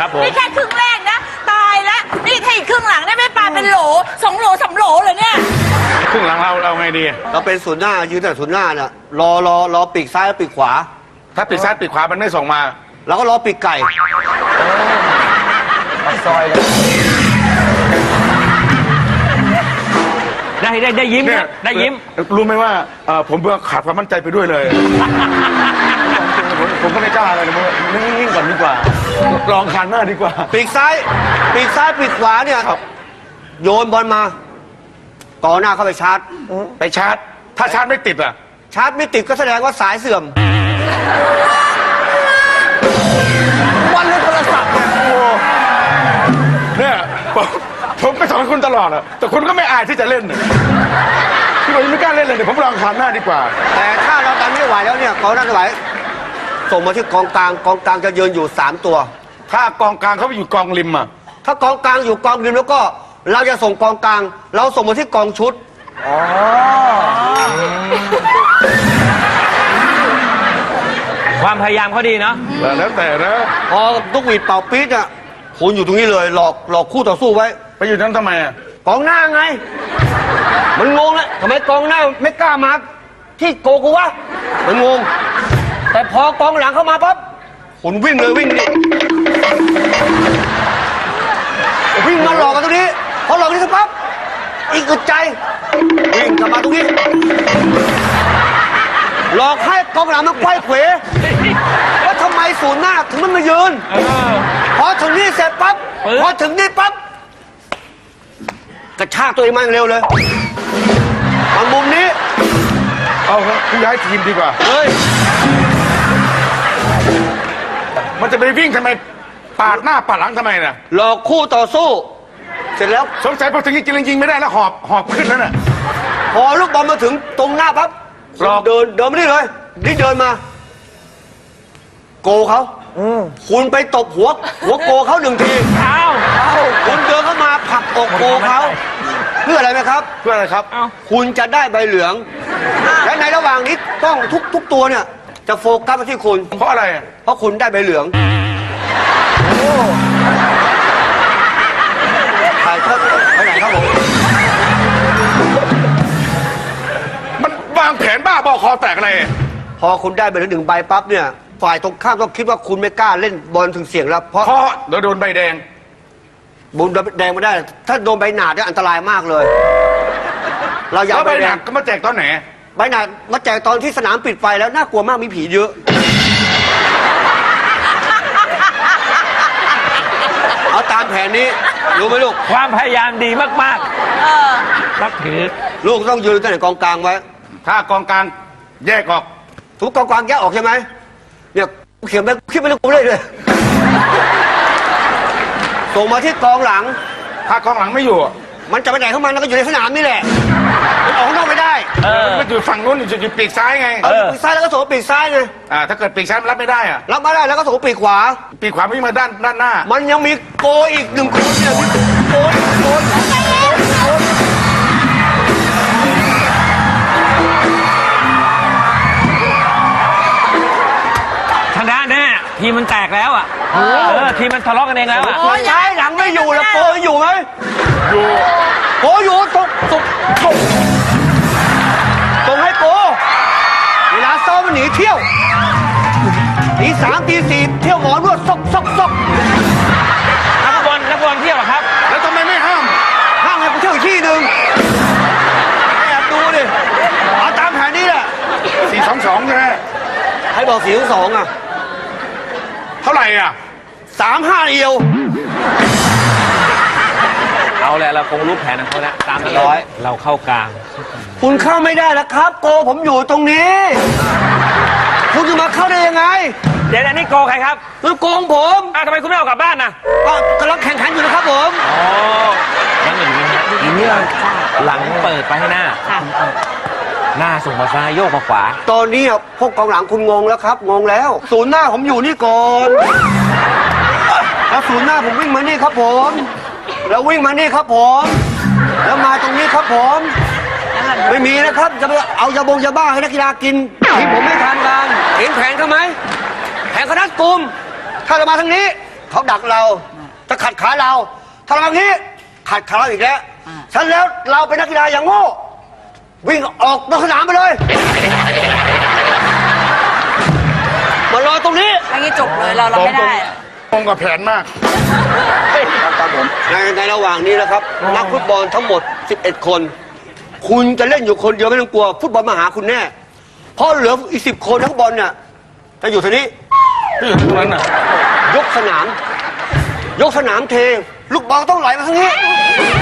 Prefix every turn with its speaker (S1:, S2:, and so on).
S1: ครับผม
S2: นี่แค่ครึ่งแรกนะตายแล้วนี่ถ้าอีกครึ่งหลังได้ไม่ปลาเป็นโหล2 โหล 3 โหลเลยเนี่ย
S1: ครึ่งหลังเราไงดี
S3: เราเป็นศูนย์หน้ายืนแต่ศูนย์หน้าน่ะรอปีกซ้ายปีกขวา
S1: ถ้าปีกซ้ายปีกขวามันไม่ส่งมา
S3: แล้วก็รอปีกไก่
S4: ซอยเลยได้ยิ้ม
S1: เนี่ย
S4: นะได้ยิ้ม
S1: รู้ไหมว่าผมเบื่อขาดความมั่นใจไปด้วยเลย ผมก็ไม่กล้าอะไรเลยนิ่งๆก่อนดีกว่า ลองคานหน้าดีกว่า
S3: ปีกซ้ายปีกขวาเนี่ย
S1: ครับ
S3: โยนบอลมากองหน้าเข้าไปชาร์จ
S1: ไปชาร์จ ถ้าชาร์จไม่ติดอ่ะ
S3: ชาร์จไม่ติดก็แสดงว่าสายเสื่อมวันเล่นโทรศัพท์เนี่ย
S1: เนี่ยผมก็สอนคุณตลอดอะแต่คุณก็ไม่อายที่จะเล่นน่ะพี่บอกยังไม่กล้าเล่นเลยเดี๋ยวผมลองคานหน้าดีกว่า
S3: แต่ถ้าเราดันไม่ไหวแล้วเนี่ยกองหน้าไม่ไหวส่งมาที่กองกลางจะยืนอยู่3 ตัว
S1: ถ้ากองกลางเขาไปอยู่กองริมอ่ะ
S3: ถ้ากองกลางอยู่กองริมแล้วก็เราจะส่งกองกลาง เราส่งมาที่กองชุด
S4: ความพยายามเขาดีเนาะ
S1: แล้วแต่นะ
S3: พอลูกหวีดเป่าปี๊ดเนี่ยคุณอยู่ตรงนี้เลยหลอกคู่ต่อสู้ไว้
S1: ไปอยู่นั้นทำไมอ่ะ
S3: กองหน้าไง มันงงแล้วทำไมกองหน้าไม่กล้ามาที่โกกูวะมันงง แต่พอกองหลังเข้ามาปั๊บคุณวิ่งเลยวิ่งนี่วิ่งมาหลอกกันตรงนี้พอหลอกนี่ปั๊บอีกอึดใจวิ่งกลับมาตรงนี้หลอกให้กองหลังมาไขว้เขวว่าทำไมศูนย์หน้าถึงมันมายืนพอถึงนี่เสร็จปั๊บพอถึงนี่ปั๊บกระชากตัวเองมาเร็วเลยบางมุมนี้
S1: เอาครับคุณย้ายทีมดีกว่า
S3: เฮ้ย
S1: มันจะไปวิ่งทำไมปาดหน้าปาดหลังทำไมน่ะ
S3: หลอกคู่ต่อสู้ เสร็จแล้ว
S1: สงสัยพอถึงยิงไม่ได้แล้วหอบขึ้นแล้วน่ะ
S3: พอลูกบอลมาถึงตรงหน้าปั๊บ
S1: หลอก
S3: เดินมานี่เลยนี่เดินมา โกเขาคุณไปตบหัวโกเขา1 ที
S4: อ้าว
S3: คุณเดินเข้ามาผลักอกโกเขาเพื่ออะไรไหมครับ
S1: เพื่ออะไรครับ
S3: คุณจะได้ใบเหลือง และในระหว่างนี้ต้องทุกตัวเนี่ย จะโฟกัสไปที่คุณ
S1: เพราะอะไรอ่ะ
S3: เพราะคุณได้ใบเหลืองถ่ายทอดไปไหนครับผม
S1: มันวางแผนบ้าบอคอแตกอะไร
S3: พอคุณได้ใบเหลือง1 ใบปั๊บเนี่ยฝ่ายตรงข้ามต้องคิดว่าคุณไม่กล้าเล่นบอลถึงเสี่ยงแล้วเพราะ
S1: เพราะเดี๋ยวโดนใบแดง
S3: บุญแดงไม่ได้ ถ้าโดนใบหนาดเนี่ยอันตรายมากเลย เราอย่า
S1: แล้ว
S3: เอา
S1: ใบ
S3: ใบ
S1: ห
S3: แด
S1: นั
S3: ง
S1: กก็มาแจกตอนไหน
S3: ใบหนาดมาแจกตอนที่สนามปิดไฟแล้วน่ากลัวมากมีผีเยอะ เอาตามแผนนี้รู้ไหมลูก
S4: ความพยายามดีมากๆนับถือ
S3: ลูกต้องยืนตั้งแต่กองกลางไว้
S1: ถ้ากองกลางแยกออก
S3: ทุกกองกลางแยกออกใช่ไหมเนี่ยเขียนไปคิดไปเรื่องกูเลยส่งมาที่กองหลัง
S1: ถ้ากองหลังไม่อยู่อะ
S3: มันจะไปไหนเข้ามามันก็อยู่ในสนามนี่แหละมันออกข้างนอกไม่ได้
S1: มันไม่อยู่ฝั่งนู้นอยู่ปีกซ้ายไง
S3: เอาปีกซ้ายแล้วก็ส่งปีกซ้ายไง
S1: ถ้าเกิดปีกซ้ายมันรับไม่ได้อ่ะ
S3: รับมาได้แล้วก็ส่งปีกขวา
S1: ปีกขวาวิ่งมาด้านหน้า
S3: มันยังมีโกอีก1 คนเนี่ยมีโกอีก1 คน
S4: ชนะแน่ทีมมันแตกแล้วอ่ะทีมมันทะเลาะกันเองแล้วอ่ะ
S3: ซ้ายหลังไม่อยู่แล้วโกอยู่ไหม
S1: อยู่
S3: โกอยู่ส่งให้โกเวลาซ้อมมันหนีเที่ยวตี 3 ตี 4เที่ยวหมอนวดซอก
S4: นักบอลเที่ยวเหรอครับ
S1: แล้วทำไมไม่ห้าม
S3: ห้างให้กูเที่ยวอีกที่หนึ่งแอบดูดิเอาตามแผนนี้แหละ
S1: 4-2-2ใช่ไหม
S3: ให้บอก4-2อ่ะ
S1: เท่าไหร่อ่ะ
S3: 3-5เอียว
S4: เอาแหละเราคงรู้แผนของเขาแล้วตามนั้นเราเข้ากลาง
S3: คุณเข้าไม่ได้แล้วครับ โกผมอยู่ตรงนี้ คุณจะมาเข้าได้ยังไง
S4: เดี๋ยวอันนี้โกใครครับ
S3: คือโกของผม
S4: ทำไมคุณไม่เอากลับบ้านนะ
S3: ก็กำลังแข่งขันอยู่นะครับผม
S4: นั่นอย่างนี้หลังเปิดไปให้หน้า หน้าส่งมาซ้ายโยกมาขวา
S3: ตอนนี้อ่ะพวกกองหลังคุณงงแล้วครับงงแล้ว ศูนย์หน้าผมอยู่นี่ก่อนแล้วศูนย์หน้าผมวิ่งมานี่ครับผมแล้ววิ่งมานี่ครับผมแล้วมาตรงนี้ครับผมไม่มีนะครับจะไปเอายาบ้าให้นักกีฬากินที่ผมไม่ทานกันเห็นแผนเขาไหมแผนคณะกลุ่มถ้าเรามาทางนี้เขาดักเรา จะขัดขาเราทำแบบนี้ขัดขาเราอีกแล้วฉันแล้วเราเป็นนักกีฬาอย่างโง่วิ่งออกนอกสนามไปเลยมารอตรงนี้
S2: อันนี้จบเลยเราไม่ได้
S1: ตรงกับแผนมาก
S3: ครับผมในระหว่างนี้นะครับ นักฟุตบอลทั้งหมด 11 คน คุณจะเล่นอยู่คนเดียวไม่ต้องกลัว ฟุตบอลมาหาคุณแน่ เพราะเหลืออีก10 คนทั้งบอลเนี่ยจะอยู่ทีนี้
S1: ที่อยู่ตรงนั้นน่ะ
S3: ยกสนาม เท ลูกบอลต้องไหลมาทางนี้